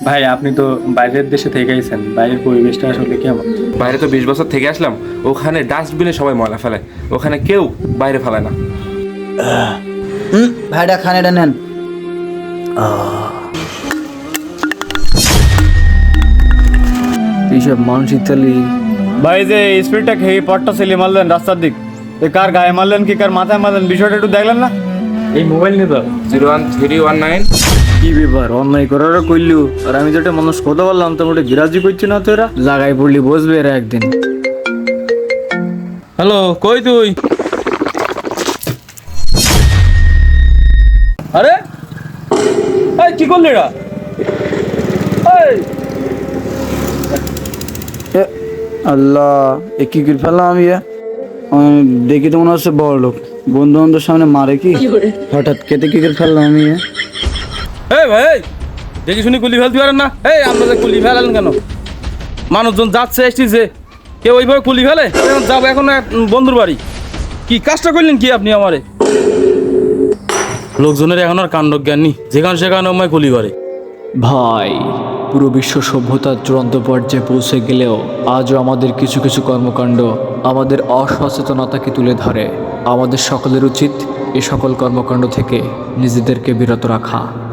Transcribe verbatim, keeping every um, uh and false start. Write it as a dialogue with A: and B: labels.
A: ভাই আপনি তো বাইরের দেশে থেকে আইছেন, বাইরের পরিবেশটা আসলে কেমন?
B: বাইরে তো বিশ বছর থেকে আসলাম। ওখানে ডাস্টবিনে সবাই ময়লা ফেলে, ওখানে কেউ বাইরে ফেলে না।
C: হুম ভাইটা খান, এটা নেন।
D: এইসব মানুষ ইতালি।
E: ভাই যে স্পিডটা খেয়ে পটটা সেলি মারলেন রাস্তার দিক, এ কার গায়ে মারলেন কি কার মাথায় মারলেন বিষয়টা একটু দেখলেন না?
A: এই মোবাইল নিয়ে তো
B: zero one three one nine.
D: কি ব্যাপার, অন্যায় করারও করলু, আর আমি যেটা মানুষ কথা বললাম তো মোটে গিরাজি করছি না, তো এরা জায়গায় পড়লি বসবে এরা একদিন।
E: হ্যালো, কই তুই? আরে এই কি করলি এরা? এই
C: এ, আল্লাহ, এ কি করে ফেললাম আমি? এ? আমি দেখি তো মনে হচ্ছে বড় লোক, বন্ধু বান্ধবের সামনে মারে কি হঠাৎ কেটে কি করে ফেললাম আমি? এ?
E: এই ভাই এই, দেখি শুনি কুলি ফেলতে পারেন না? এই আমরা যে কুলি ফেলেন কেন? মানুষজন যাচ্ছে এসেছে, কেউ ওইভাবে কুলি ফেলে? এখন যাবো এখন এক বন্ধুর বাড়ি। কি কাজটা করলেন কি আপনি আমারে? লোকজনের এখন আর কাণ্ড জ্ঞান নেই, যেখানে সেখানে আমায় কুলি করে।
D: ভাই, পুরো বিশ্ব সভ্যতার চূড়ান্ত পর্যায়ে পৌঁছে গেলেও আজও আমাদের কিছু কিছু কর্মকাণ্ড আমাদের অসচেতনতাকে তুলে ধরে। আমাদের সকলের উচিত এ সকল কর্মকাণ্ড থেকে নিজেদেরকে বিরত রাখা।